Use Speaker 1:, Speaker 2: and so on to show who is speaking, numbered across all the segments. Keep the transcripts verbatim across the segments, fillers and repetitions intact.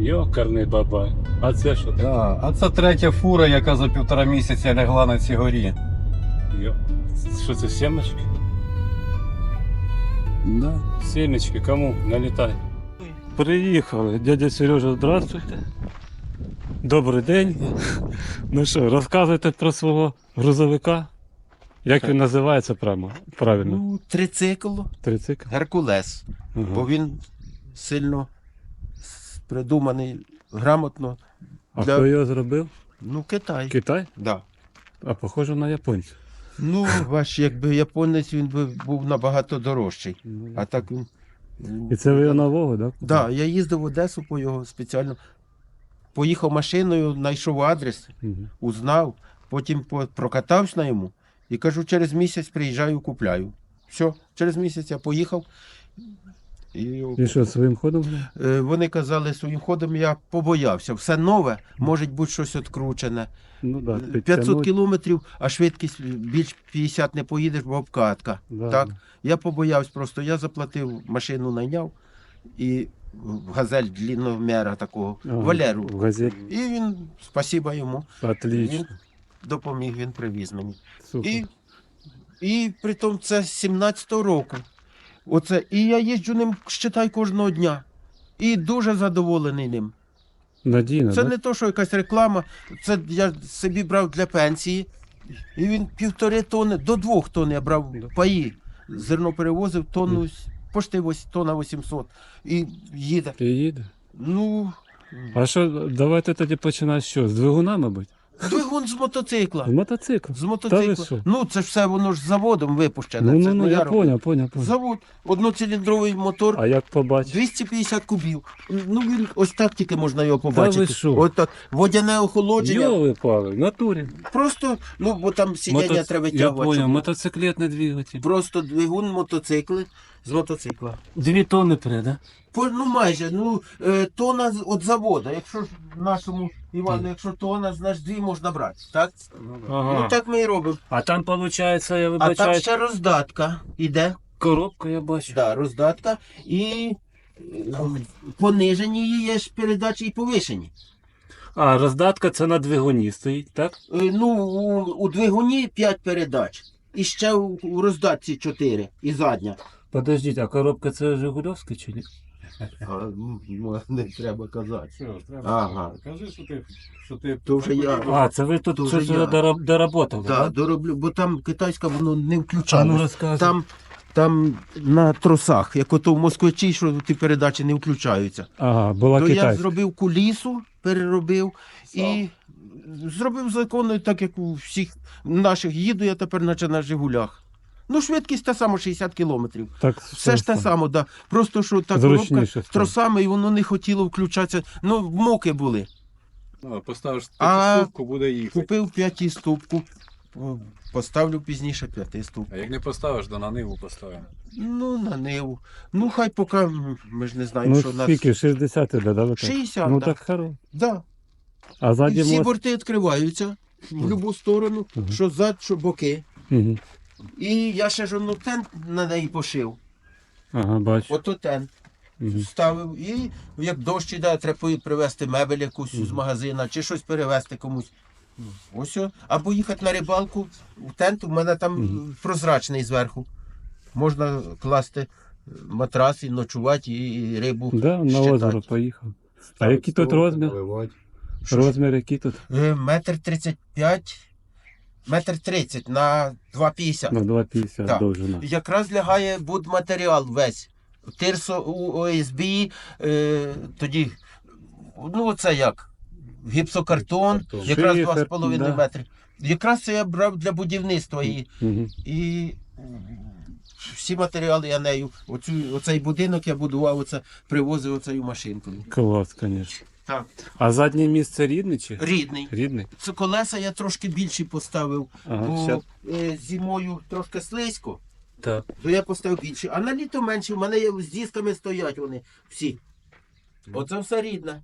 Speaker 1: Йокарний бабай. А це що таке?
Speaker 2: Да. А це третя фура, яка за півтора місяця лягла на цій горі.
Speaker 1: Йо. Що це, сімечки?
Speaker 2: Да.
Speaker 1: Сімечки, кому? Налітай. Приїхали. Дядя Сережа, здравствуйте. Добрий день. Ну що, розказуйте про свого грузовика? Як він називається прямо? Правильно?
Speaker 3: Ну, трицикл,
Speaker 1: Трицикл?
Speaker 3: Геркулес.
Speaker 1: Ага.
Speaker 3: Бо він сильно с- придуманий, грамотно.
Speaker 1: А
Speaker 3: для-
Speaker 1: хто його зробив?
Speaker 3: Ну, Китай.
Speaker 1: Китай?
Speaker 3: Да.
Speaker 1: А похоже на японця.
Speaker 3: Ну, ваш, якби японець, він би був набагато дорожчий. А так він.
Speaker 1: І це ви його нового, так?
Speaker 3: Да, я їздив в Одесу по його спеціально. Поїхав машиною, знайшов адрес,
Speaker 1: Угу.
Speaker 3: узнав, потім по- прокатався на йому і кажу, через місяць приїжджаю, купляю. Все, через місяць я поїхав. І,
Speaker 1: І що, своїм ходом?
Speaker 3: Е, Вони казали своїм ходом, я побоявся. Все нове, може бути щось відкручене.
Speaker 1: Ну так, да,
Speaker 3: п'ятсот кілометрів, а швидкість більш п'ятдесят не поїдеш, бо обкатка.
Speaker 1: Да.
Speaker 3: Так? Я побоявся просто, я заплатив, машину найняв і газель длинномера такого,
Speaker 1: Ага,
Speaker 3: Валеру.
Speaker 1: в газеті.
Speaker 3: І він, спасіба йому,
Speaker 1: Отлично.
Speaker 3: він допоміг, він привіз мені.
Speaker 1: Супер.
Speaker 3: І, і при тому це з сімнадцятого року. Оце, і я їжджу ним, считай, кожного дня. І дуже задоволений ним.
Speaker 1: Надійно,
Speaker 3: Це
Speaker 1: да?
Speaker 3: не то, що якась реклама, це я собі брав для пенсії. І він півтори тони, до двох тонн я брав паї. Зерно перевозив, тонну, пошти ось тонна вісімсот. І їде.
Speaker 1: І їде.
Speaker 3: Ну,
Speaker 1: А що, давайте тоді починати що? З двигуна, мабуть?
Speaker 3: двигун з мотоцикла.
Speaker 1: З мотоцикла.
Speaker 3: З
Speaker 1: Та ви
Speaker 3: мотоцикла.
Speaker 1: що?
Speaker 3: Ну, це ж все воно ж з заводом випущене.
Speaker 1: Ну,
Speaker 3: це
Speaker 1: ну, ну,
Speaker 3: не
Speaker 1: я
Speaker 3: робив.
Speaker 1: поняв, поняв, поняв.
Speaker 3: Завод, одноциліндровий мотор.
Speaker 1: А як побачиш?
Speaker 3: двісті п'ятдесят кубів. Ну, він ось так тільки можна його
Speaker 1: Та ви
Speaker 3: побачити.
Speaker 1: що?
Speaker 3: От так. Водяне охолодження.
Speaker 1: Йоли пали, в натурі.
Speaker 3: Просто, ну, бо там сидіння
Speaker 1: Мотоц-
Speaker 3: треба
Speaker 1: Я
Speaker 3: витягувати.
Speaker 1: поняв,
Speaker 3: щоб-
Speaker 1: мотоциклетний двигатель.
Speaker 3: Просто двигун мотоцикли з мотоцикла.
Speaker 1: Дві тонни пре, да?
Speaker 3: По, ну майже, ну, е, тона з- від заводу. Якщо ж нашому Івану, якщо тона, значить дві можна брати. Так?
Speaker 1: Ага.
Speaker 3: Ну так ми і робимо.
Speaker 1: А там, виходить, я
Speaker 3: А там
Speaker 1: вибачаю,
Speaker 3: ще роздатка іде.
Speaker 1: коробка, я бачу.
Speaker 3: Да, роздатка і е, понижені її є ж передачі і повишені.
Speaker 1: А, роздатка це на двигуні стоїть, так?
Speaker 3: Е, Ну, у, у двигуні п'ять передач. І ще у, у роздатці чотири. І задня.
Speaker 1: Подождіть, а коробка це Жигульовська чи ні?
Speaker 3: А, ну, не треба казати.
Speaker 4: Все, треба.
Speaker 3: Ага.
Speaker 4: Кажи, що ти, що ти
Speaker 3: То вже я.
Speaker 1: А, це ви тут
Speaker 3: Дуже
Speaker 1: щось
Speaker 3: я.
Speaker 1: дороб- доработали,
Speaker 3: Так,
Speaker 1: так?
Speaker 3: дороблю, бо там китайська воно не
Speaker 1: А ну
Speaker 3: включалось.
Speaker 1: розказуй.
Speaker 3: Там, там на тросах, як ото в москвичі, що ті передачі не включаються.
Speaker 1: Ага, була
Speaker 3: То я
Speaker 1: китайська.
Speaker 3: зробив кулісу, переробив і зробив законно, так як у всіх наших їду я тепер наче на Жигулях. Ну, швидкість та сама шістдесят кілометрів.
Speaker 1: Так,
Speaker 3: Все ж те саме, да. Просто що та
Speaker 1: Зручніше
Speaker 3: коробка
Speaker 1: стало.
Speaker 3: з тросами, і воно не хотіло включатися. Ну, муки були.
Speaker 4: ну, поставиш
Speaker 3: А-
Speaker 4: п'ятиступку, буде їхати.
Speaker 3: Купив п'ятиступку, поставлю пізніше п'ятиступку.
Speaker 4: А як не поставиш, то на ниву поставимо.
Speaker 3: Ну, на Ниву. Ну, хай поки, м, ми ж не знаємо,
Speaker 1: Ну,
Speaker 3: що нас...
Speaker 1: скільки? шістдесят іде, да? ви так?
Speaker 3: шістдесят,
Speaker 1: Ну,
Speaker 3: да.
Speaker 1: так хоро.
Speaker 3: Да.
Speaker 1: А
Speaker 3: І
Speaker 1: ззаді
Speaker 3: всі
Speaker 1: мост?
Speaker 3: борти відкриваються в будь-яку сторону,
Speaker 1: Мгм.
Speaker 3: що зад, що боки.
Speaker 1: Угу.
Speaker 3: І я ще ж одну тент на неї пошив.
Speaker 1: Ага, бачу.
Speaker 3: Ото тент
Speaker 1: Угу.
Speaker 3: ставив. І як дощ іде, треба привезти мебель якусь з магазина, чи щось перевезти комусь. Ось. о. Або їхати на рибалку в тент, у мене там
Speaker 1: Мгм.
Speaker 3: прозрачний зверху. Можна класти матрас і ночувати, і рибу
Speaker 1: Да, на
Speaker 3: щитати.
Speaker 1: озеро поїхав. А який тут розмір? Розмір який тут?
Speaker 3: Е, Метр тридцять п'ять, метр тридцять на два п'ятдесят.
Speaker 1: На два п'ятдесят
Speaker 3: Так.
Speaker 1: довжина.
Speaker 3: Якраз лягає будматеріал весь. Тирсо у ОСБ, е, тоді, ну оце як, гіпсокартон,
Speaker 4: Гіпсокартон.
Speaker 3: якраз
Speaker 1: Шифер,
Speaker 3: два з половиною
Speaker 1: да.
Speaker 3: метри. Якраз це я брав для будівництва і,
Speaker 1: Угу.
Speaker 3: і всі матеріали я нею. Оцю, оцей будинок я будував, оце, привозив оцею машинкою.
Speaker 1: Клас, звісно.
Speaker 3: Так.
Speaker 1: А заднє місце рідне чи?
Speaker 3: Рідний.
Speaker 1: Рідний?
Speaker 3: Це колеса я трошки більші поставив,
Speaker 1: Ага,
Speaker 3: бо
Speaker 1: щас.
Speaker 3: е, зимою трошки слизько.
Speaker 1: Так.
Speaker 3: То я поставив більше. А на літо менше, у мене є з дисками стоять вони всі. Оце все рідне.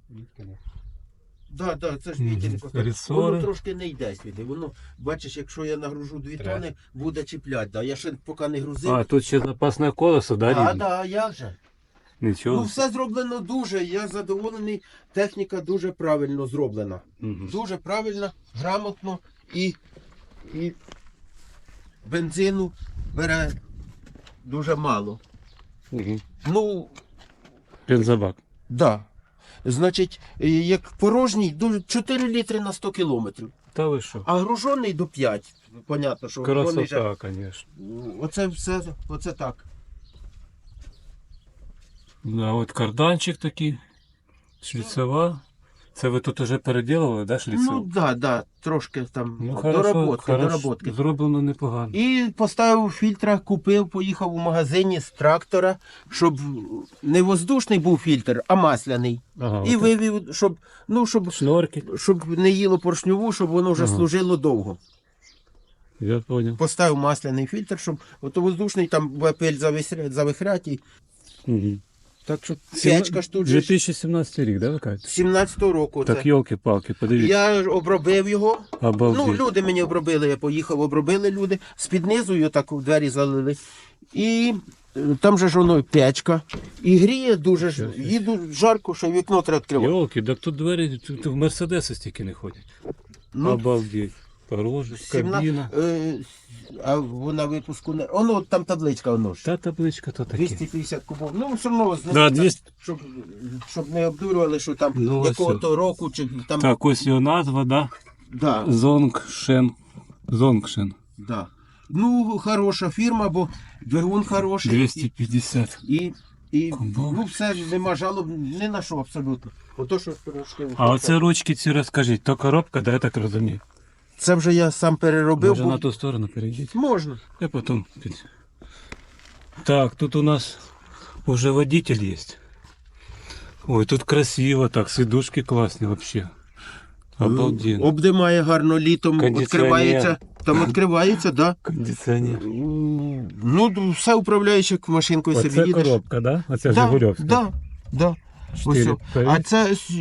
Speaker 3: Так, так, це ж
Speaker 1: Мгм.
Speaker 3: вітер поставив.
Speaker 1: Ресори.
Speaker 3: Воно трошки не йде сюди. Воно, бачиш, якщо я нагружу дві
Speaker 4: Треба.
Speaker 3: тони, буде чіпляти. Да. Я ще поки не грузив.
Speaker 1: А, тут ще запасне колесо, да,
Speaker 3: А,
Speaker 1: рідне?
Speaker 3: да, як же?
Speaker 1: Нічого.
Speaker 3: Ну, все зроблено дуже. Я задоволений. Техніка дуже правильно зроблена.
Speaker 1: Мгм.
Speaker 3: Дуже правильно, грамотно і, і бензину бере дуже мало.
Speaker 1: Мгм.
Speaker 3: Ну,
Speaker 1: Бензобак.
Speaker 3: да. Значить, е, як порожній, дуже чотири літри на сто кілометрів.
Speaker 1: Та ви що?
Speaker 3: А гружений до п'ять. Понятно, що гружений же-
Speaker 1: Красота, звісно.
Speaker 3: Оце все, оце так.
Speaker 1: Да, от карданчик такий, шліцева. Це ви тут уже переділили, да, шліцеву?
Speaker 3: Ну, да, да, трошки там
Speaker 1: Ну, хорошо,
Speaker 3: доработки,
Speaker 1: хорошо,
Speaker 3: доработки.
Speaker 1: зроблено непогано.
Speaker 3: І поставив фільтра, купив, поїхав у магазині з трактора, щоб не воздушний був фільтр, а масляний.
Speaker 1: Ага,
Speaker 3: І
Speaker 1: от
Speaker 3: вивів, щоб, ну, щоб,
Speaker 1: шнорки,
Speaker 3: щоб не їло поршньову, щоб воно вже
Speaker 1: Ага.
Speaker 3: служило довго.
Speaker 1: я понял.
Speaker 3: Поставив масляний фільтр, щоб ото воздушний там буде пиль завихря- завихрять. І...
Speaker 1: Угу.
Speaker 3: Так що печка ж тут же
Speaker 1: дві
Speaker 3: ж
Speaker 1: тисячі сімнадцятий рік, да, ви кажете?
Speaker 3: сімнадцятого року.
Speaker 1: Так,
Speaker 3: Це.
Speaker 1: йолки-палки, подивіться.
Speaker 3: Я ж обробив його.
Speaker 1: Обалдеть.
Speaker 3: Ну, люди мені обробили, я поїхав, обробили люди, з-під низу його так у двері залили. І е, там же ж воно печка. І гріє дуже ж, їду жарко, що вікно треба відкривати.
Speaker 1: Йолки, так тут двері, тут в Мерседеси стільки не ходять.
Speaker 3: Ну,
Speaker 1: Обалдеть. Порожі, кабіна.
Speaker 3: е, а вона випуску не. Воно там табличка, воно ж.
Speaker 1: Та табличка то таке.
Speaker 3: двісті п'ятдесят кубов. Ну, все одно,
Speaker 1: Да,
Speaker 3: знаєте,
Speaker 1: двісті.
Speaker 3: щоб, щоб не обдурювали, що там
Speaker 1: Ну, ось
Speaker 3: якого-то року, чи там.
Speaker 1: Так, ось його назва, да?
Speaker 3: Да,
Speaker 1: Зонгшен. Зонгшен.
Speaker 3: да. Ну, хороша фірма, бо двигун хороший.
Speaker 1: двісті п'ятдесят.
Speaker 3: І, і
Speaker 1: Кубов.
Speaker 3: ну, все, нема жалоб ні на що абсолютно. Ото що трошки.
Speaker 1: А оце ручки ці розкажіть, то коробка, да, я так розумію.
Speaker 3: Це вже я сам переробив.
Speaker 1: Може
Speaker 3: бо-
Speaker 1: на ту сторону перейдіть.
Speaker 3: Можна.
Speaker 1: Я потом. під- Так, тут у нас уже водитель есть. Ой, тут красиво так, сидушки классные вообще. Обалденно.
Speaker 3: Обдимає гарно літом,
Speaker 1: Кондиціонер.
Speaker 3: відкривається. Там відкривається, да.
Speaker 1: Кондиціонер.
Speaker 3: Ну, все управляєш, як машинкою собі
Speaker 1: Оце
Speaker 3: їдеш.
Speaker 1: коробка, да? Оце
Speaker 3: Да,
Speaker 1: Жигульовська.
Speaker 3: да, да. Ось
Speaker 1: Чотири
Speaker 3: о.
Speaker 1: перед-
Speaker 3: А це с-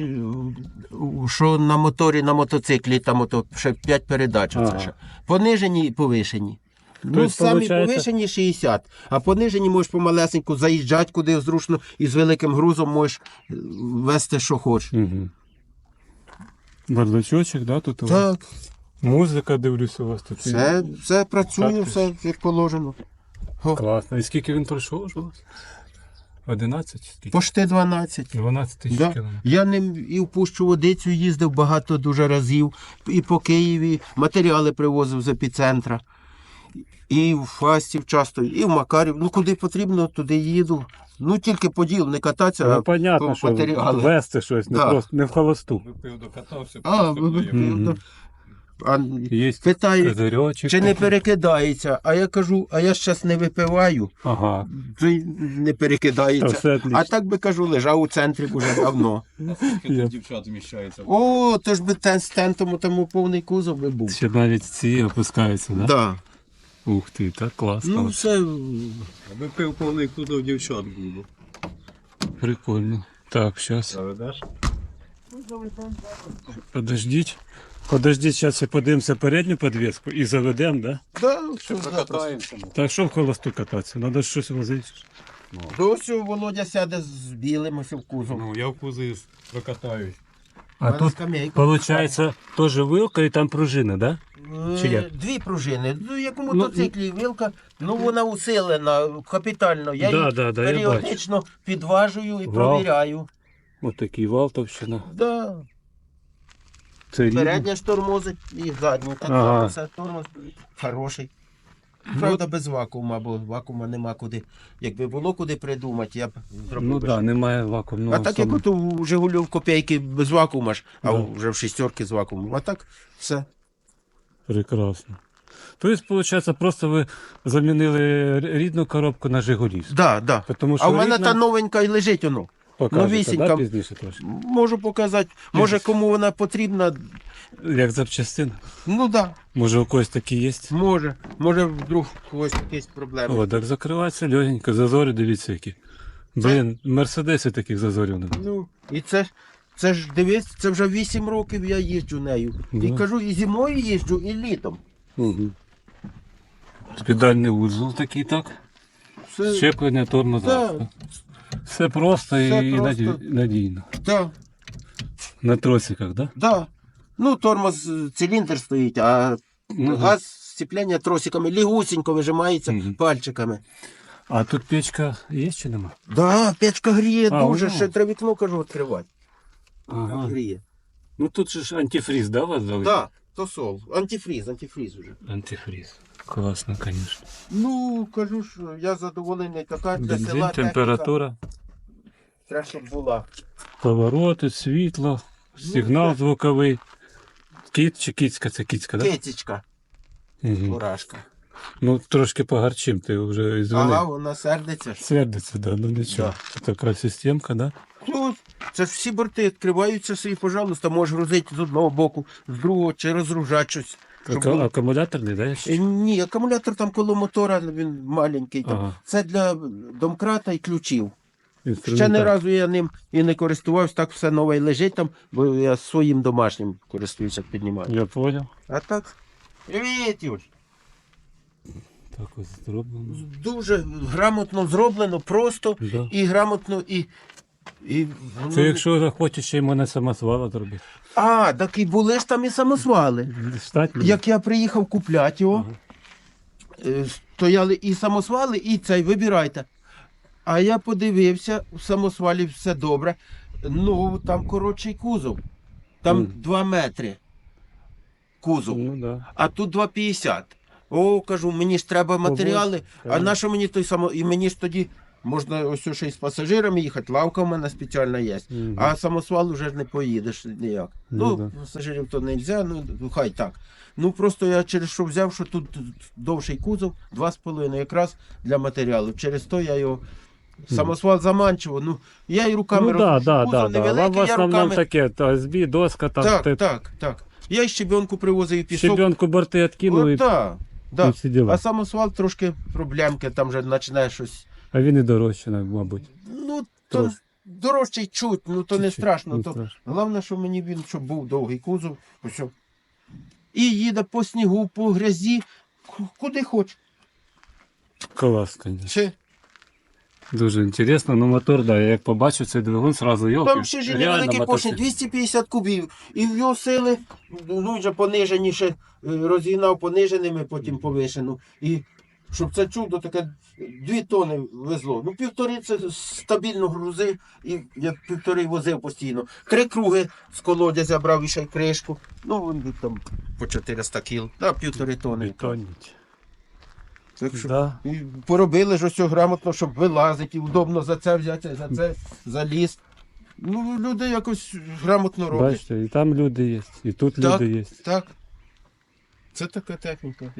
Speaker 3: що на моторі, на мотоциклі, там ото ще п'ять передач. Оце
Speaker 1: Ага.
Speaker 3: ще. Понижені і повишені. Ну,
Speaker 1: Тобто,
Speaker 3: самі
Speaker 1: получається-
Speaker 3: повишені шістдесят, а понижені можеш помалесеньку заїжджати куди зручно і з великим грузом можеш е, вести, що хочеш.
Speaker 1: Угу. Бардачочок, да, тут у вас?
Speaker 3: Так,
Speaker 1: Музика, дивлюсь, у вас тут.
Speaker 3: все, все працює,
Speaker 1: Так.
Speaker 3: все як положено. О,
Speaker 1: Класно. І скільки він пройшов вже у вас? одинадцять? Скільки?
Speaker 3: Пошти дванадцять.
Speaker 1: дванадцять тисяч
Speaker 3: Да.
Speaker 1: кілометрів.
Speaker 3: Я ним і в Пущу Водицю їздив багато дуже разів, і по Києві матеріали привозив з епіцентра, і в Фастів часто, і в Макарів. Ну куди потрібно, туди їду. Ну тільки по ділу, не кататися,
Speaker 1: Ну,
Speaker 3: а
Speaker 1: понятно,
Speaker 3: по
Speaker 1: що
Speaker 3: матеріали.
Speaker 1: вести щось, не,
Speaker 3: Да.
Speaker 1: просто, не в холосту.
Speaker 4: Випив, докатався,
Speaker 3: А,
Speaker 4: просто
Speaker 3: ви-
Speaker 4: доїв.
Speaker 1: Мгм.
Speaker 3: ну, а,
Speaker 1: Є
Speaker 3: питають,
Speaker 1: козирьочок.
Speaker 3: чи не
Speaker 1: такий.
Speaker 3: перекидається, а я кажу, а я зараз не випиваю,
Speaker 1: Ага.
Speaker 3: то й не
Speaker 1: Та
Speaker 3: перекидається.
Speaker 1: все отлично.
Speaker 3: А так би кажу, лежав у центрі вже давно.
Speaker 4: Скільки
Speaker 1: Я-
Speaker 4: тут дівчат вміщається.
Speaker 3: О, то ж би тен з тентом тому повний кузов би був.
Speaker 1: Ще навіть ці опускаються, да?
Speaker 3: Да.
Speaker 1: Ух ти, так класно.
Speaker 3: Ну, все.
Speaker 4: Аби пив повний кузов дівчат було.
Speaker 1: Прикольно. Так, зараз.
Speaker 4: Заведеш?
Speaker 1: Подождіть. Подождіть, зараз подивимося передню підвіску і заведемо, да?
Speaker 3: Да, все
Speaker 4: Прокатаємося.
Speaker 1: Так що в холосту кататися? Треба щось возити.
Speaker 3: Досі Володя сяде з білим ось в кузов.
Speaker 4: Ну, я в кузові прокатаюсь.
Speaker 1: А тут,
Speaker 3: скамейка.
Speaker 1: виходить, теж вилка і там пружина, да? чи
Speaker 3: Е,
Speaker 1: як?
Speaker 3: Дві пружини. Ну, як у
Speaker 1: Ну,
Speaker 3: мотоциклі вилка, ну вона усилена капітально. Я
Speaker 1: Да,
Speaker 3: її
Speaker 1: да, да, я
Speaker 3: періодично підважую і
Speaker 1: Вау.
Speaker 3: провіряю.
Speaker 1: Ось такий вал товщина.
Speaker 3: Да.
Speaker 1: Це рівно.
Speaker 3: Передня ж тормозить і задня. Так
Speaker 1: Ага.
Speaker 3: все тормоз хороший. Правда, без вакуума, бо вакуума нема куди. Якби було куди придумати, я б зробив.
Speaker 1: Ну
Speaker 3: би
Speaker 1: так, да, немає вакуумного.
Speaker 3: А так як
Speaker 1: саме.
Speaker 3: от у Жигулів копійки без вакуума ж, а
Speaker 1: Да.
Speaker 3: вже в шістерки з вакуумом. А так все.
Speaker 1: Прекрасно. Тобто, виходить, просто ви замінили рідну коробку на Жигулівську.
Speaker 3: Да, да.
Speaker 1: Тому що
Speaker 3: А в мене
Speaker 1: рідна-
Speaker 3: та новенька і лежить воно.
Speaker 1: Покажете,
Speaker 3: новісінька.
Speaker 1: да, пізніше трошки?
Speaker 3: Можу показати. Може кому вона потрібна.
Speaker 1: Як запчастина.
Speaker 3: Ну так,
Speaker 1: Може у когось такі є?
Speaker 3: да, може. Може вдруг у когось якісь проблеми.
Speaker 1: О, так закривається легенько, зазори, дивіться які. Блін, мерседеси таких зазорів немає.
Speaker 3: Ну, і це, це ж дивись, це вже вісім років я їжджу нею. І
Speaker 1: Ну.
Speaker 3: кажу, і зимою їжджу, і літом.
Speaker 1: Угу. Спідальний вузол такий, так?
Speaker 3: Все,
Speaker 1: Щеплення, тормоза.
Speaker 3: Да.
Speaker 1: Все просто
Speaker 3: Все
Speaker 1: і
Speaker 3: просто.
Speaker 1: наді- надійно.
Speaker 3: Да,
Speaker 1: На тросиках, да?
Speaker 3: да. Ну, тормоз, е, циліндр стоїть, а
Speaker 1: Мгм.
Speaker 3: газ сцепляння тросиками лігусінько вижимається
Speaker 1: Мгм.
Speaker 3: пальчиками.
Speaker 1: А тут печка є чи нема?
Speaker 3: Да, печка гріє
Speaker 1: А,
Speaker 3: дуже,
Speaker 1: воно.
Speaker 3: ще треба вікно, кажу, відкривати.
Speaker 1: Ага.
Speaker 3: Гріє.
Speaker 1: Ну тут же ж антифриз, да, у вас дали?
Speaker 3: Да, то сол. Антифриз, антифриз уже.
Speaker 1: Антифриз. Класно, звісно.
Speaker 3: Ну, кажу ж, я задоволений, така для
Speaker 1: Бензин,
Speaker 3: села техніка.
Speaker 1: температура,
Speaker 3: Треба, щоб була.
Speaker 1: повороти, світло, сигнал звуковий. Кіт чи кіцька? Це кіцька, так? Да?
Speaker 3: Китічка,
Speaker 1: Угу.
Speaker 3: мурашка.
Speaker 1: Ну трошки погарчим, ти вже
Speaker 3: Ага,
Speaker 1: звонив.
Speaker 3: вона сердиться.
Speaker 1: Сердиться, да, ну нічого.
Speaker 3: Да.
Speaker 1: Це така системка, да?
Speaker 3: Ну, це ж всі борти відкриваються собі, пожалуйста, можеш грузити з одного боку, з другого, чи розгружати щось. щоб
Speaker 1: Ака-
Speaker 3: було.
Speaker 1: Акумуляторний, да?
Speaker 3: Е, Ні, акумулятор там коло мотора, він маленький. Там.
Speaker 1: Ага.
Speaker 3: Це для домкрата і ключів. Ще
Speaker 1: Інструментар.
Speaker 3: не разу я ним і не користувався, так все нове й лежить там, бо я своїм домашнім користуюся, піднімаю.
Speaker 1: Я понял.
Speaker 3: А так, привіт, Юль.
Speaker 1: Так ось зроблено.
Speaker 3: Дуже грамотно зроблено, просто
Speaker 1: Да.
Speaker 3: і грамотно, і. і ну,
Speaker 1: Це якщо захочеш, ще й мене самосвала зробити.
Speaker 3: А, так і були ж там і самосвали.
Speaker 1: Штатні?
Speaker 3: Як я приїхав купляти його, е, стояли і самосвали, і цей, вибирайте. А я подивився, в самосвалі все добре. Ну, там коротший кузов. Там
Speaker 1: Мгм.
Speaker 3: два метри кузов,
Speaker 1: Ну да.
Speaker 3: а тут два п'ятдесят. О, кажу, мені ж треба матеріали, а
Speaker 1: так.
Speaker 3: на що мені той само. І мені ж тоді можна ось ще й з пасажирами їхати, лавка в мене спеціальна є.
Speaker 1: Мгм.
Speaker 3: А самосвал вже ж не поїдеш ніяк.
Speaker 1: Ну,
Speaker 3: Ну,
Speaker 1: да.
Speaker 3: пасажирів то не можна, ну хай так. Ну просто я через що взяв, що тут довший кузов, два з половиною, якраз для матеріалу. Через то я його. Самосвал заманчиво, ну я і руками
Speaker 1: Ну да,
Speaker 3: роблю.
Speaker 1: да,
Speaker 3: Кузов
Speaker 1: да, да. Вам
Speaker 3: невеликий,
Speaker 1: в
Speaker 3: я
Speaker 1: основному
Speaker 3: руками...
Speaker 1: таке, то ес бі, доска, там
Speaker 3: Так,
Speaker 1: ти
Speaker 3: так, так. Я й щебенку привозив і пісок.
Speaker 1: щебенку борти відкинув,
Speaker 3: О,
Speaker 1: і...
Speaker 3: да, да.
Speaker 1: і всі діла.
Speaker 3: А самосвал трошки проблемки, там вже починає щось.
Speaker 1: а він і дорожче, мабуть.
Speaker 3: Ну, то
Speaker 1: Трошки.
Speaker 3: дорожчий чуть, ну то не
Speaker 1: Чуть-чуть,
Speaker 3: страшно.
Speaker 1: не
Speaker 3: То...
Speaker 1: страшно.
Speaker 3: Головне, що мені він, щоб був довгий кузов. Ось. о. І їде по снігу, по грязі, ку- куди хоче.
Speaker 1: Клас, звісно.
Speaker 3: Чи?
Speaker 1: Дуже інтересно, ну мотор, да, я як побачив цей двигун, сразу йолки.
Speaker 3: Там ще ж і невеликий поршень, двісті п'ятдесят кубів. І в його сили, ну вже пониженіше, е, розігнав пониженими, потім повишену. І щоб це чудо таке, дві тони везло. Ну півтори це стабільно грузи, і я півтори возив постійно. Три круги з колодязя брав і ще й кришку. Ну він там по чотириста кіл, да, півтори тони.
Speaker 1: Бетоніть.
Speaker 3: Так що
Speaker 1: Да.
Speaker 3: і поробили ж ось грамотно, щоб вилазити, і удобно за це взяти, за це заліз. Ну, люди якось грамотно роблять.
Speaker 1: Бачите, і там люди є, і тут
Speaker 3: Так.
Speaker 1: люди є.
Speaker 3: Так. Це така техніка.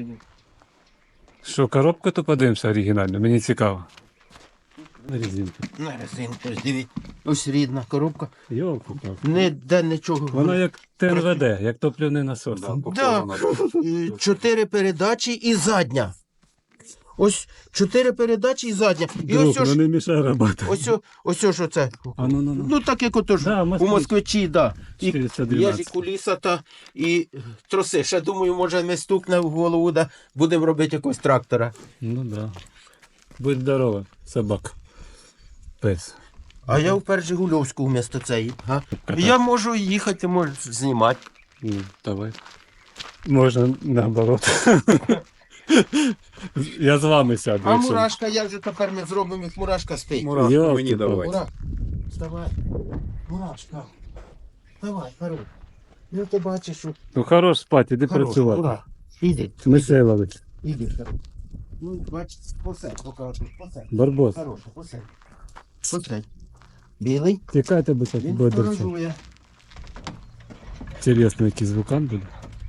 Speaker 1: Що, коробка то подивимося оригінально, мені цікаво. На резинку.
Speaker 3: На резинку, ось дивіть. Ось рідна коробка.
Speaker 1: Йолку.
Speaker 3: Ніде нічого.
Speaker 1: Воно як ТНВД, як топливний насос.
Speaker 3: Да. І Чотири передачі і задня. Ось чотири передачі і задня. І
Speaker 1: Друг,
Speaker 3: ось
Speaker 1: ну
Speaker 3: ось,
Speaker 1: не мішай роботи.
Speaker 3: ось, о- ось, ось оце.
Speaker 1: А ну ну ну.
Speaker 3: Ну так як ото ж
Speaker 1: Да,
Speaker 3: у
Speaker 1: москвич.
Speaker 3: москвичі, да. І
Speaker 1: чотириста
Speaker 3: є ж і
Speaker 1: дванадцять.
Speaker 3: куліса та і троси. Ще думаю, може ми стукне в голову, да будемо робити якогось трактора.
Speaker 1: Ну да. Будь здорова, собак. Пес.
Speaker 3: А я вперше Жигульовську вмісто цієї. А? Я можу їхати, можу знімати.
Speaker 1: Ну, давай. Можна наоборот. Я з вами сяду.
Speaker 3: А
Speaker 1: якщо-
Speaker 3: мурашка, як же тепер ми зробимо, як мурашка спить?
Speaker 4: Мурашку
Speaker 1: Йолки
Speaker 4: мені
Speaker 1: палки.
Speaker 4: давай.
Speaker 3: Мурашка, вставай. Мурашка. Давай, хорош. Ну ти бачиш, що
Speaker 1: Ну хорош спати, іди
Speaker 3: хорош.
Speaker 1: працювати.
Speaker 3: Ура. Іди,
Speaker 1: Миселович.
Speaker 3: іди, хорош. Ну, бачиш, посадь, покажу, посадь.
Speaker 1: Барбос.
Speaker 3: Хороше, посадь. Посадь. Білий.
Speaker 1: Тікайте, бо зараз
Speaker 3: Він
Speaker 1: буде дерчати.
Speaker 3: сторожує.
Speaker 1: Інтересно, який звукан буде.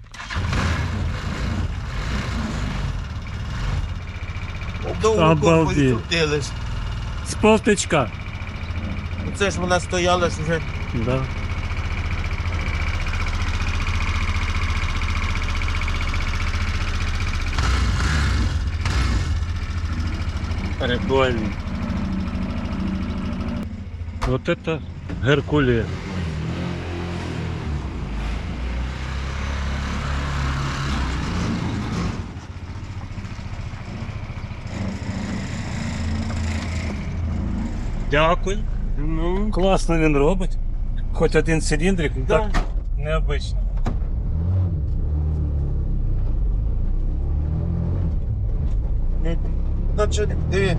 Speaker 3: Довго
Speaker 1: Обалдеть.
Speaker 3: покрутили ж.
Speaker 1: З полтичка.
Speaker 3: Це ж вона стояла ж вже.
Speaker 1: Да. Прикольно. Вот это Геркулес. Дякую.
Speaker 3: Ну,
Speaker 1: Класно він робить. Хоч один циліндрик, ну
Speaker 3: Да.
Speaker 1: так необично.
Speaker 3: значить, диви.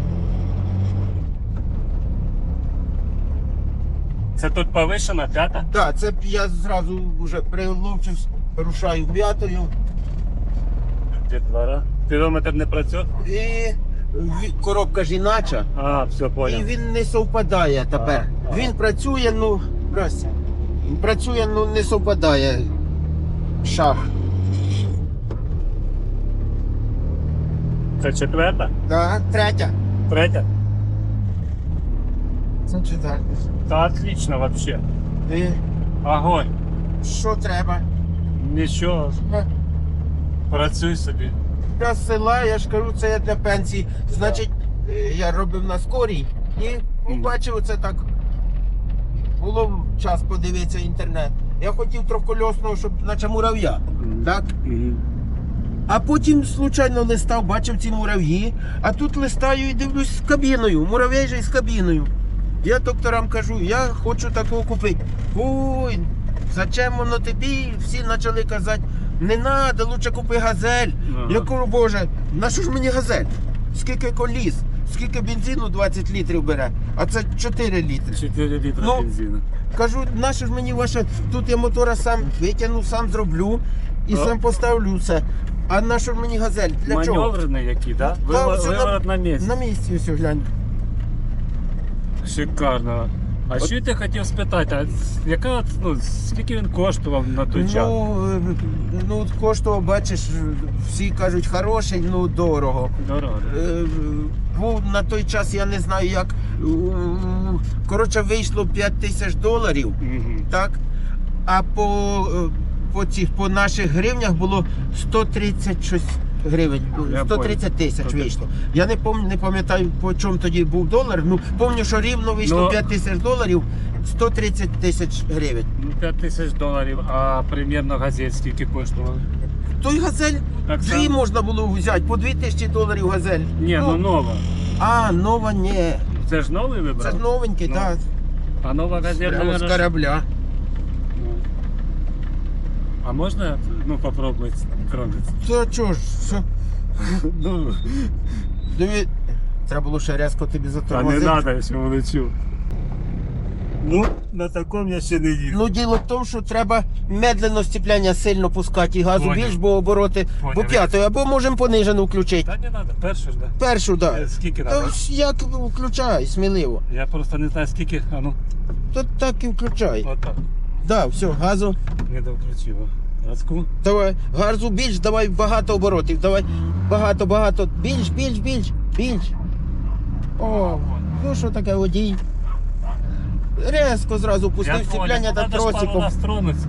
Speaker 1: Це тут повишена п'ята?
Speaker 3: Так, це я зразу вже приловчився, рушаю п'ятою.
Speaker 1: Дітвора. Пірометр не працює?
Speaker 3: І ві- коробка ж інача.
Speaker 1: А, все,
Speaker 3: І
Speaker 1: понял.
Speaker 3: він не совпадає тепер.
Speaker 1: А, а.
Speaker 3: Він працює, ну, здрасте. Працює, ну не совпадає. Шах.
Speaker 1: Це четверта?
Speaker 3: Так, третя.
Speaker 1: Третя?
Speaker 3: Це четверта.
Speaker 1: Та отлично вообще.
Speaker 3: І
Speaker 1: Огонь.
Speaker 3: що треба?
Speaker 1: Нічого.
Speaker 3: Е,
Speaker 1: Працюй собі.
Speaker 3: Я з села, я ж кажу, це я для пенсії. Значить, е, я робив на скорій і побачив оце так. Було час подивитися інтернет. Я хотів трьохкольосного, щоб наче мурав'я. Так? А потім случайно листав, бачив ці мурав'ї, а тут листаю і дивлюсь з кабіною, муравей же з кабіною. Я докторам кажу, я хочу такого купити. Ой, зачем воно тобі? Всі почали казати, не треба, лучше купи газель.
Speaker 1: Ага.
Speaker 3: Я кажу, боже, на що ж мені газель? Скільки коліс, скільки бензину двадцять літрів бере, а це чотири літри.
Speaker 1: чотири літра
Speaker 3: Ну,
Speaker 1: бензину.
Speaker 3: Кажу, на що ж мені ваше, тут я мотора сам витягну, сам зроблю і
Speaker 1: А?
Speaker 3: сам поставлю все. А на що ж мені газель? Для чого?
Speaker 1: Маневрений який, так?
Speaker 3: Та,
Speaker 1: Да?
Speaker 3: все
Speaker 1: Виворот на місці.
Speaker 3: На місці ось глянь.
Speaker 1: Шикарно. А що ти хотів спитати, а яка, от, ну, скільки він коштував на той час?
Speaker 3: Ну, е, ну, коштував, бачиш, всі кажуть, хороший, ну дорого.
Speaker 1: Дорого.
Speaker 3: Е, Був на той час, я не знаю як. е, Коротше, вийшло п'ять тисяч доларів,
Speaker 1: Угу.
Speaker 3: так? А по, е, по, цих, по наших гривнях було сто тридцять щось гривень.
Speaker 1: Я
Speaker 3: сто тридцять тисяч
Speaker 1: понял.
Speaker 3: вийшло. Я не пам'ятаю, не пам'ятаю, по чому тоді був долар. Ну, пам'ятаю, що рівно вийшло
Speaker 1: Ну,
Speaker 3: п'ять тисяч доларів, сто тридцять тисяч гривень.
Speaker 1: Ну, п'ять тисяч доларів, а примірно газель скільки коштував?
Speaker 3: Той газель
Speaker 1: Так
Speaker 3: дві
Speaker 1: само?
Speaker 3: можна було взяти, по дві тисячі доларів газель.
Speaker 1: Ні, ну нова.
Speaker 3: А, нова ні.
Speaker 1: Це ж новий вибрав?
Speaker 3: Це ж новенький,
Speaker 1: Ну,
Speaker 3: так.
Speaker 1: А нова газель,
Speaker 3: Прямо з
Speaker 1: наверно, ж-
Speaker 3: корабля.
Speaker 1: Ну. А можна, ну, попробувати тронути?
Speaker 3: Та чого ж, що?
Speaker 1: Ну,
Speaker 3: Диві... Треба було ще різко тобі
Speaker 1: та не
Speaker 3: затормозити.
Speaker 1: треба, якщо лечу. Ну, на такому я ще не їв.
Speaker 3: Ну, діло в тому, що треба медленно сцепляння сильно пускати і газу
Speaker 1: Поняв.
Speaker 3: більш, бо обороти
Speaker 1: Поняв.
Speaker 3: по п'ятої, або можемо понижену включити.
Speaker 1: Та не треба, першу ж, да.
Speaker 3: Першу, так.
Speaker 1: Е,
Speaker 3: Да.
Speaker 1: Скільки
Speaker 3: Та
Speaker 1: треба?
Speaker 3: ж як включай, сміливо.
Speaker 1: Я просто не знаю скільки, а ну,
Speaker 3: То так і включай.
Speaker 1: отак.
Speaker 3: Да, все, газу.
Speaker 1: Не довключив. Газку.
Speaker 3: Давай, газу більш, давай багато оборотів. Давай багато, багато. Більш, більш, більш, більш. О, ну що таке водій? Резко зразу пустив сцепляння та тросиком.
Speaker 1: нас тронуться.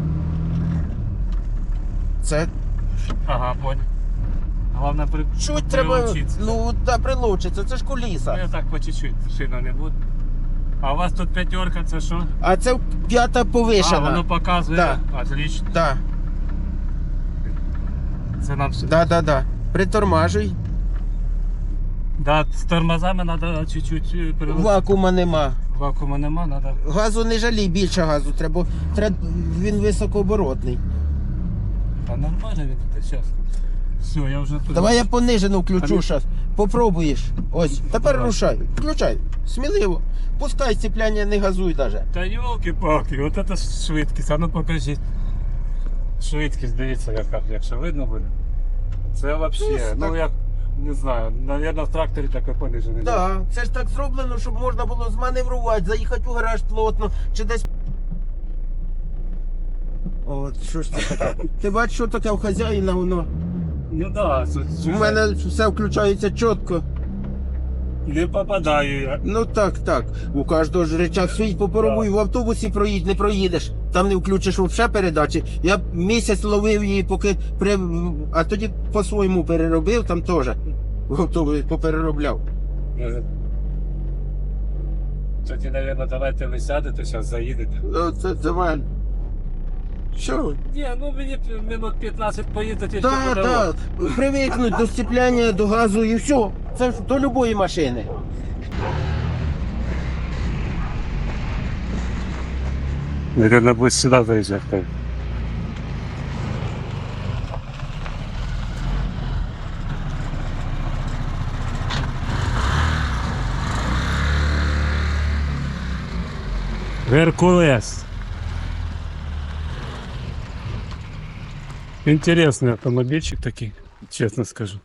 Speaker 3: Це
Speaker 1: Ага, понял. Головне при...
Speaker 3: чуть треба,
Speaker 1: прилучитися.
Speaker 3: ну та прилучиться, це ж
Speaker 1: Ну,
Speaker 3: куліса.
Speaker 1: я так по чуть-чуть, сильно не буду. А у вас тут п'ятерка, це що?
Speaker 3: А це п'ята
Speaker 1: А,
Speaker 3: повишена.
Speaker 1: воно показує.
Speaker 3: Да.
Speaker 1: Отлично.
Speaker 3: Да,
Speaker 1: Це нам все.
Speaker 3: да, да, да. Притормажуй.
Speaker 1: Да, з тормозами треба чуть-чуть е, перелити.
Speaker 3: Вакуума нема.
Speaker 1: Вакуума нема, треба.
Speaker 3: Газу не жалій, більше газу треба. треба він високооборотний.
Speaker 1: Та нормально він тут зараз. Все, я вже тут.
Speaker 3: Давай я понижену включу
Speaker 1: А ми-
Speaker 3: зараз. Попробуєш. Ось, тепер
Speaker 1: Давай.
Speaker 3: рушай. Включай. Сміливо. Пускай сцепляння, не газуй даже.
Speaker 1: Та йолки-палки, от це швидкість, а ну покажіть. Швидкість, дивіться, яка, якщо видно буде. Це взагалі,
Speaker 3: Ну,
Speaker 1: ну
Speaker 3: так.
Speaker 1: як, не знаю, навірно в тракторі таке понижене.
Speaker 3: Так, да, це ж так зроблено, щоб можна було зманеврувати, заїхати у гараж плотно, чи десь. От, що ж це таке? Ти бачиш, що таке в хазяїна воно?
Speaker 1: Ну так, да,
Speaker 3: У мене все включається чітко.
Speaker 1: не попадаю я.
Speaker 3: Ну так, так. У кожного ж речах свій попробуй, в автобусі проїдь, не проїдеш. Там не включиш взагалі передачі. Я місяць ловив її, поки при... а тоді по-своєму переробив, там теж. В автобусі попереробляв.
Speaker 1: Тоді, мабуть, давайте ви сядете, зараз заїдете.
Speaker 3: Ну, це давай. Що?
Speaker 1: Ні, ну мені минут п'ятнадцять поїздити, ще
Speaker 3: Так,
Speaker 1: по дорозі.
Speaker 3: так. Привикнуть до сцепляння, до газу і все. Це ж до любої машини.
Speaker 1: Наверное, будет сюда заезжать. Геркулес. Интересный автомобильчик такой, честно скажу.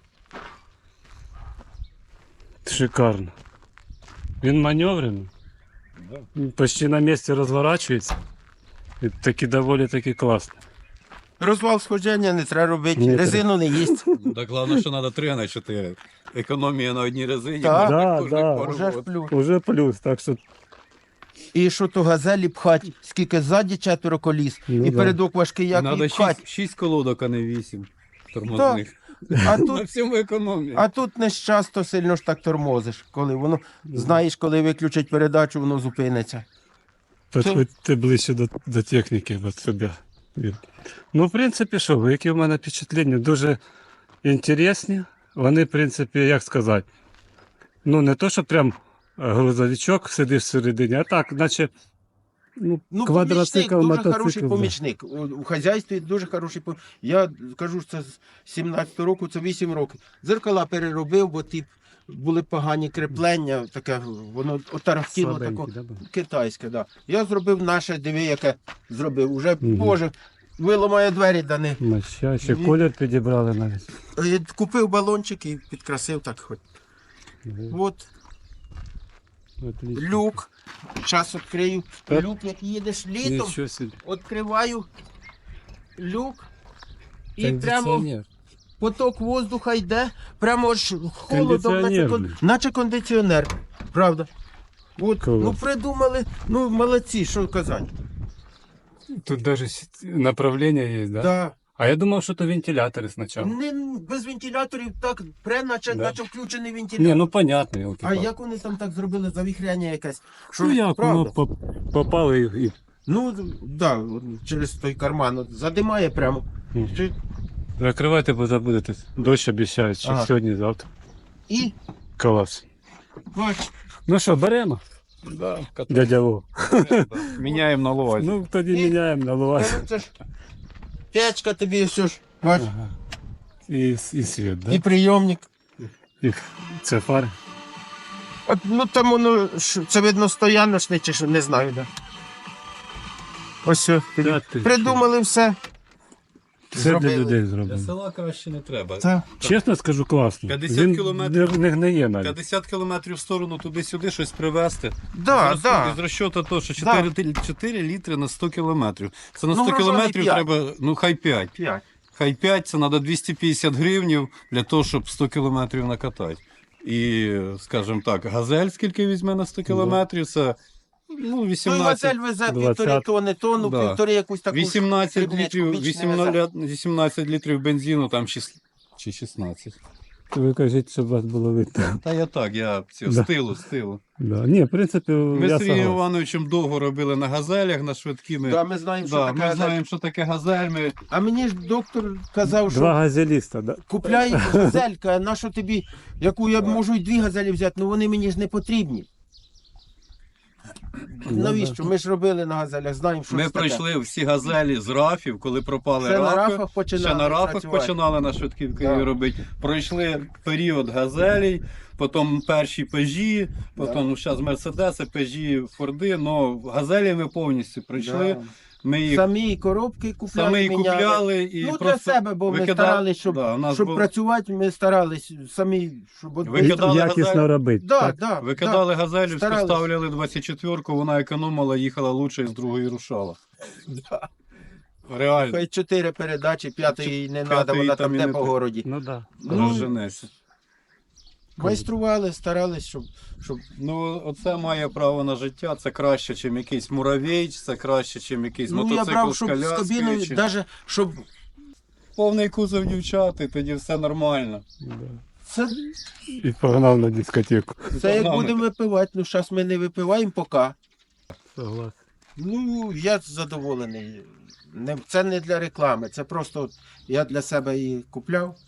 Speaker 1: Шикарно. Він маневрений. Почти на месте разворачивается. І таки доволі таки класно.
Speaker 3: Розвал сходження не треба робити,
Speaker 1: Ні,
Speaker 3: резину не їсть.
Speaker 2: Так головне, що треба три, а не чотири. Економія на одній резині.
Speaker 3: Так.
Speaker 1: Да,
Speaker 2: можна
Speaker 1: да.
Speaker 2: пару
Speaker 3: Уже ж
Speaker 2: років.
Speaker 3: плюс.
Speaker 1: Уже плюс, так що
Speaker 3: І що то газелі пхать, скільки ззаді четверо коліс,
Speaker 1: Ну
Speaker 3: і
Speaker 1: да.
Speaker 3: передок важкий, як
Speaker 2: Надо
Speaker 3: і пхать.
Speaker 2: шість, шість колодок, а не вісім тормозних.
Speaker 3: А
Speaker 2: На
Speaker 3: тут,
Speaker 2: всьому економія.
Speaker 3: а тут не часто сильно ж так тормозиш, коли воно, знаєш, коли виключать передачу, воно зупиниться.
Speaker 1: підходьте ближче до, до техніки от себе. Ну, в принципі, що, які в мене впечатлення? Дуже інтересні. Вони, в принципі, як сказати, ну не то, що прям грузовичок сидиш всередині, а так, наче ну,
Speaker 3: Ну,
Speaker 1: квадроцикл,
Speaker 3: помічник, дуже хороший
Speaker 1: мотоцикл. да.
Speaker 3: помічник. У, у хазяйстві дуже хороший помічник. Я кажу, що це з сімнадцятого року, це вісім років. Дзеркала переробив, бо ті були погані креплення, таке, воно отарахтіло таке.
Speaker 1: Слабенький, да, був?
Speaker 3: Китайське, да. Я зробив наше, диви, яке зробив. Уже,
Speaker 1: Мгм.
Speaker 3: боже, виламає двері дани.
Speaker 1: Моща, ще
Speaker 3: Ні.
Speaker 1: колір підібрали навіть.
Speaker 3: Е, Купив балончик і підкрасив так хоч. От
Speaker 1: Отлично.
Speaker 3: люк. Час відкрию.
Speaker 1: Так.
Speaker 3: Люк, як їдеш літом,
Speaker 1: Нічого собі.
Speaker 3: відкриваю люк. І прямо
Speaker 1: Кондиціонер.
Speaker 3: поток воздуха йде, прямо аж холодом, наче,
Speaker 1: Кондиціонер,
Speaker 3: кон...
Speaker 1: блін.
Speaker 3: наче кондиціонер. Правда. От,
Speaker 1: Клас.
Speaker 3: ну придумали, ну молодці, що казати.
Speaker 1: Тут даже с- направление есть, да?
Speaker 3: Да.
Speaker 1: А я думал, что это вентиляторы сначала.
Speaker 3: Не, без вентиляторів так пре, наче,
Speaker 1: Да.
Speaker 3: наче включений вентилятор.
Speaker 1: Не, ну понятно.
Speaker 3: А
Speaker 1: елки-палки.
Speaker 3: як вони там так зробили завіхряння якесь? Що,
Speaker 1: Ну як
Speaker 3: правда?
Speaker 1: воно поп- попало і, і
Speaker 3: Ну, да, от через той карман от, задимає прямо.
Speaker 1: Мгм.
Speaker 3: Чи-
Speaker 1: закривайте, бо забудете. Дощ обіцяють, що
Speaker 3: Ага.
Speaker 1: сьогодні, завтра.
Speaker 3: І,
Speaker 1: Клас.
Speaker 3: бач,
Speaker 1: Ну що, беремо,
Speaker 2: Да,
Speaker 1: дядя Вов.
Speaker 2: міняємо на ловазі.
Speaker 1: Ну, тоді
Speaker 3: І-
Speaker 1: міняємо на
Speaker 3: та
Speaker 1: лувась.
Speaker 3: ну це ж печка тобі все ж, бач,
Speaker 1: Ага. І, і світ, да?
Speaker 3: і прийомник.
Speaker 1: І це фари.
Speaker 3: От, ну там воно, ж, це видно стояночне чи що, не знаю, да. Ось все.
Speaker 1: Та ти
Speaker 3: Придумали все.
Speaker 1: Це для
Speaker 3: зробили.
Speaker 1: людей
Speaker 2: Для
Speaker 1: зроблено.
Speaker 2: села краще не треба.
Speaker 3: Це.
Speaker 1: Чесно скажу, класно.
Speaker 2: п'ятдесят
Speaker 1: Він
Speaker 2: кілометрів.
Speaker 1: не, не гниє навіть.
Speaker 2: п'ятдесят кілометрів в сторону туди-сюди щось привезти.
Speaker 3: Да,
Speaker 2: з,
Speaker 3: да.
Speaker 2: розсу- з розчету то, що
Speaker 3: Да.
Speaker 2: чотири, чотири літри на сто кілометрів. Це на
Speaker 3: Ну,
Speaker 2: сто
Speaker 3: врожайний
Speaker 2: кілометрів
Speaker 3: п'ять.
Speaker 2: треба, ну хай п'ять.
Speaker 3: П'ять.
Speaker 2: Хай п'ять, це треба двісті п'ятдесят гривнів для того, щоб сто кілометрів накатати. І, скажімо так, газель скільки візьме на сто кілометрів, це ну,
Speaker 3: Той
Speaker 2: вісімнадцять,
Speaker 3: вазель везе
Speaker 1: двадцять.
Speaker 3: півтори тонни, тонну,
Speaker 2: Да.
Speaker 3: півтори якусь таку.
Speaker 2: вісімнадцять
Speaker 3: дрібничку
Speaker 2: літрів,
Speaker 3: більш не
Speaker 2: вісімнадцять, вісімнадцять літрів бензину, там шість, чи шістнадцять.
Speaker 1: Ви кажіть, щоб вас було видно.
Speaker 2: Та я так, я цю,
Speaker 1: Да.
Speaker 2: стилу, стилу.
Speaker 1: Да. Ні, в принципі,
Speaker 2: Ми
Speaker 1: я
Speaker 2: з Сергієм
Speaker 1: согласен.
Speaker 2: Івановичем довго робили на газелях, на швидкими.
Speaker 3: Да, ми знаємо, що
Speaker 2: Да,
Speaker 3: таке
Speaker 2: ми
Speaker 3: газель.
Speaker 2: знаємо, що таке газель. Ми...
Speaker 3: А мені ж доктор казав, що
Speaker 1: Два газеліста, да?
Speaker 3: купляй газелька, а на що тобі, яку я можу й дві газелі взяти, ну вони мені ж не потрібні.
Speaker 1: Ну,
Speaker 3: Навіщо? Ми ж робили на газелях, знаємо, що
Speaker 2: Ми
Speaker 3: це таке.
Speaker 2: пройшли всі газелі з рафів, коли пропали
Speaker 3: Ще на
Speaker 2: рафи.
Speaker 3: рафах починали
Speaker 2: Ще на рафах
Speaker 3: працювати.
Speaker 2: починали на швидківки
Speaker 3: Да.
Speaker 2: робити. Пройшли період газелей, потім перші пежі, потім ну, зараз мерседеси, пежі, форди. Ну, газелі ми повністю пройшли.
Speaker 3: Да.
Speaker 2: Ми їх
Speaker 3: Самі коробки купляли,
Speaker 2: самі
Speaker 3: міняли.
Speaker 2: купляли і
Speaker 3: Ну, для
Speaker 2: просто
Speaker 3: себе, бо ми
Speaker 2: викидали-
Speaker 3: старались, щоб,
Speaker 2: Да, у нас
Speaker 3: щоб
Speaker 2: був-
Speaker 3: працювати, ми старались самі, щоб... от-
Speaker 2: Викидали
Speaker 1: Якісно
Speaker 2: газель.
Speaker 1: робити.
Speaker 3: Да,
Speaker 1: так?
Speaker 3: да,
Speaker 2: Викидали газелю,
Speaker 3: Старались.
Speaker 2: ставляли двадцять четвірку, вона економила, їхала лучше і з другої рушала.
Speaker 3: да.
Speaker 2: Реально.
Speaker 3: Хай чотири передачі, п'ятої не треба,
Speaker 2: П'ятої
Speaker 3: вона
Speaker 2: там
Speaker 3: там
Speaker 2: і
Speaker 3: де
Speaker 2: не
Speaker 3: по
Speaker 2: так.
Speaker 3: городі.
Speaker 1: Ну да.
Speaker 3: Ну,
Speaker 2: Розженешся.
Speaker 3: майстрували, старались, щоб, щоб...
Speaker 2: Ну, оце має право на життя, це краще, ніж якийсь муравейч, це краще, ніж якийсь
Speaker 3: Ну, я
Speaker 2: мотоцикл
Speaker 3: брав,
Speaker 2: з
Speaker 3: щоб з
Speaker 2: коляскою.
Speaker 3: кабіною,
Speaker 2: чи-
Speaker 3: навіть, щоб...
Speaker 2: Повний кузов дівчат, і тоді все нормально.
Speaker 1: Да.
Speaker 3: Це,
Speaker 1: І погнав на дискотеку.
Speaker 3: це як
Speaker 2: Погнали.
Speaker 3: будемо випивати, ну, зараз ми не випиваємо поки.
Speaker 1: Согласен.
Speaker 3: Ну, я задоволений. Не, це не для реклами, це просто от я для себе її купляв.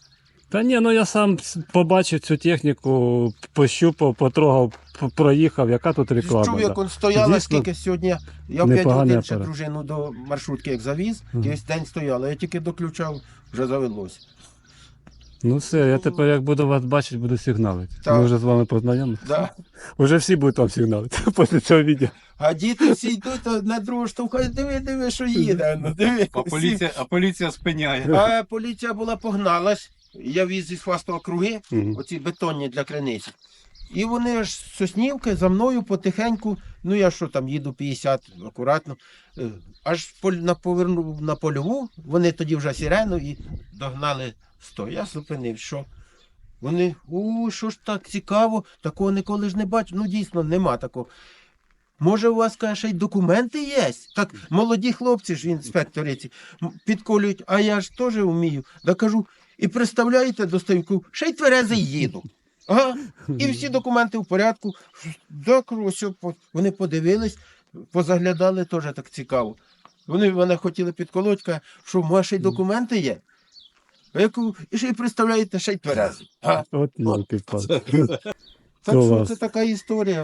Speaker 1: Та ні, ну я сам с- побачив цю техніку, пощупав, потрогав, п- проїхав, яка тут реклама.
Speaker 3: Чув,
Speaker 1: да.
Speaker 3: як він стояла,
Speaker 1: Дійсно,
Speaker 3: скільки сьогодні. Я в п'ять
Speaker 1: непоганий
Speaker 3: годин ще
Speaker 1: апарат.
Speaker 3: дружину до маршрутки як завіз,
Speaker 1: Мгм.
Speaker 3: і ось день стояла. Я тільки доключав, вже завелось.
Speaker 1: Ну все, я тепер як буду вас бачити, буду сигналити.
Speaker 3: Так.
Speaker 1: Ми вже з вами познайомилися.
Speaker 3: Да.
Speaker 1: Уже всі будуть вам сигналити після цього відео.
Speaker 3: А діти всі йдуть а на другу штовхають, диви, диви, що їде. Ну, диви.
Speaker 2: А поліція, а поліція спиняє.
Speaker 3: А поліція була погналась. Я віз із Фастова круги,
Speaker 1: Мгм.
Speaker 3: оці бетонні для криниці. І вони аж з Соснівки за мною потихеньку, ну я що там, їду п'ятдесят акуратно, е, аж поль- на повернув на польову, вони тоді вже сирену і догнали сто. Я зупинив, що? Вони, у, що ж так цікаво, такого ніколи ж не бачу. Ну дійсно, нема такого. Може, у вас, каже, ще й документи є? Так, молоді хлопці ж, інспектори ці, м, підколюють, а я ж теж вмію. Да кажу, і представляєте, достаю, ще й тверезий їду. Ага. І всі документи в порядку. Да, кажу, ось, по- вони подивились, позаглядали, теж так цікаво. Вони мене хотіли підколоть, каже, що може ще й документи є. А я кажу, і ще й представляєте, ще й тверезий. А?
Speaker 1: От йолки палки.
Speaker 3: Так що
Speaker 1: Клас.
Speaker 3: це така історія.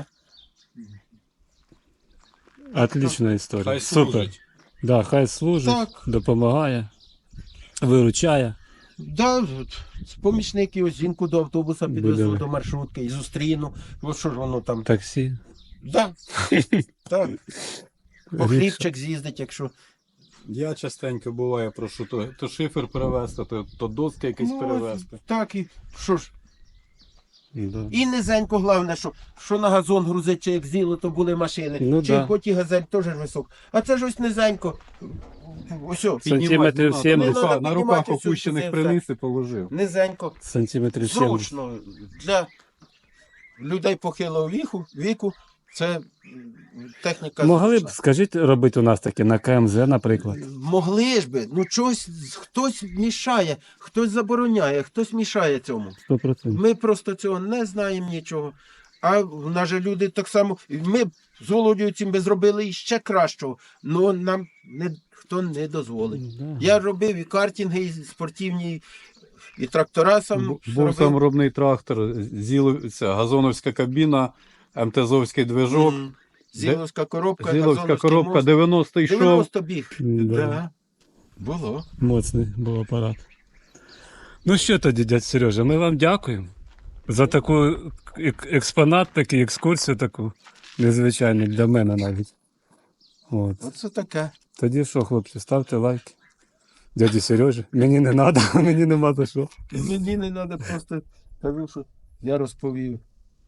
Speaker 1: Отлична історія.
Speaker 4: Хай
Speaker 1: Супер.
Speaker 4: служить.
Speaker 1: Да, хай служить,
Speaker 3: Так.
Speaker 1: допомагає, виручає.
Speaker 3: Да, от, помічники, ось жінку до автобуса підвезу,
Speaker 1: Будемо.
Speaker 3: до маршрутки і зустріну. От що ж воно там.
Speaker 1: Таксі.
Speaker 3: Да. Так. По хлібчик з'їздить, якщо.
Speaker 2: Я частенько буває, прошу то, то шифер перевезти, то, то доски якісь
Speaker 3: Ну,
Speaker 2: перевезти.
Speaker 3: Так, і що ж.
Speaker 1: Да.
Speaker 3: І низенько, головне, що, що на газон грузить, чи як зіло, то були машини.
Speaker 1: Ну,
Speaker 3: чи
Speaker 1: да.
Speaker 3: хоч і газель теж висок. А це ж ось низенько. Ось, о,
Speaker 1: Сантиметрів
Speaker 2: на,
Speaker 1: сімдесят.
Speaker 2: рука-
Speaker 3: Не
Speaker 2: на
Speaker 3: надо
Speaker 2: руках
Speaker 3: піднімати всю
Speaker 2: опущених
Speaker 3: це
Speaker 2: приніс і положив.
Speaker 3: низенько.
Speaker 1: Сантиметрів сімдесят.
Speaker 3: Зручно для людей похилого віку, віку це м, техніка.
Speaker 1: Могли б,
Speaker 3: зручна.
Speaker 1: скажіть, робити у нас таке на КМЗ, наприклад.
Speaker 3: Могли ж би, ну чогось хтось мішає, хтось забороняє, хтось мішає цьому.
Speaker 1: сто процентів.
Speaker 3: Ми просто цього не знаємо нічого. А в нас же люди так само. Ми б з Володією цим би зробили іще кращого, але нам не, хто не дозволить.
Speaker 1: Да.
Speaker 3: Я робив і картинги, і спортивні, і трактора сам
Speaker 2: Бу- Був
Speaker 3: робив.
Speaker 2: саморобний трактор, зіловця, газоновська кабіна, МТЗовський движок,
Speaker 3: М, Зіловська коробка,
Speaker 2: Зіловська
Speaker 3: Газоновський
Speaker 2: коробка,
Speaker 3: мост.
Speaker 2: дев'яносто йшов.
Speaker 3: дев'яносто біг.
Speaker 1: Да.
Speaker 3: Да. Було.
Speaker 1: Моцний був апарат. Ну що тоді, дядь Сережа, ми вам дякуємо за таку ек- експонат, таку екскурсію таку незвичайну для мене навіть. От.
Speaker 3: Оце таке.
Speaker 1: Тоді що, хлопці, ставте лайки. Дяді Сережі, мені не треба, мені нема за що.
Speaker 3: Мені не треба просто кажу, що я розповів,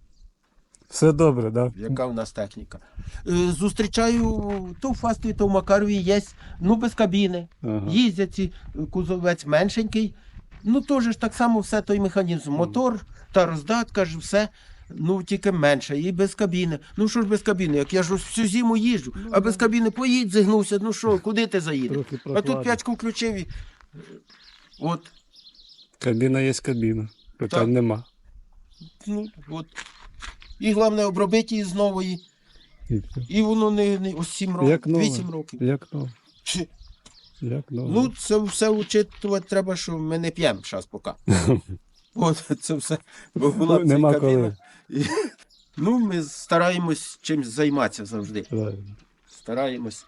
Speaker 1: Все добре, да?
Speaker 3: яка в нас техніка. Е, Зустрічаю то в Фастові, то в Макарові є, ну без кабіни.
Speaker 1: Ага.
Speaker 3: Їздять ці, кузовець меншенький. Ну теж ж так само все той механізм. Мотор та роздатка ж все. Ну, тільки менше, і без кабіни. Ну що ж без кабіни? Як я ж ось всю зиму їжджу, а без кабіни поїдь, зігнувся, ну що, куди ти заїдеш?
Speaker 1: Трохи
Speaker 3: А тут
Speaker 1: прокладно.
Speaker 3: п'ячку включив і. От,
Speaker 1: Кабіна є кабіна. Питань
Speaker 3: Так.
Speaker 1: нема.
Speaker 3: ну, от. І головне обробити її з нової.
Speaker 1: І все.
Speaker 3: І воно не, не ось сім років,
Speaker 1: Як нове.
Speaker 3: вісім років.
Speaker 1: Як то?
Speaker 3: Чи-
Speaker 1: Як нове.
Speaker 3: Ну, це все учитувати треба, що ми не п'ємо зараз поки. От, це все. Бо була б ця
Speaker 1: Нема
Speaker 3: кабіна.
Speaker 1: коли.
Speaker 3: І, ну, ми стараємось чимось займатися завжди.
Speaker 1: Правильно.
Speaker 3: Стараємось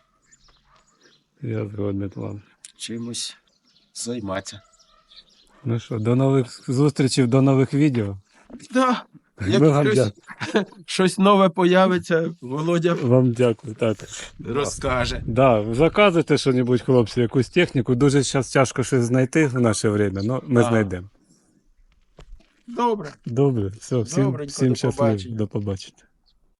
Speaker 1: Я згодний з вами.
Speaker 3: чимось займатися.
Speaker 1: Ну що, до нових зустрічей, до нових відео.
Speaker 3: Да.
Speaker 1: Ми
Speaker 3: Як
Speaker 1: вам
Speaker 3: щось,
Speaker 1: дя-
Speaker 3: щось нове появиться, Володя
Speaker 1: Вам дякую. Так.
Speaker 3: розкаже.
Speaker 1: Да, заказуйте що-небудь, хлопці, якусь техніку. Дуже зараз тяжко щось знайти в наше время, але ми
Speaker 3: Да.
Speaker 1: знайдемо.
Speaker 3: Добре.
Speaker 1: Добре, все, всім,
Speaker 3: Добренько,
Speaker 1: всім
Speaker 3: до
Speaker 1: щасливо.
Speaker 3: побачення.
Speaker 1: До побачення.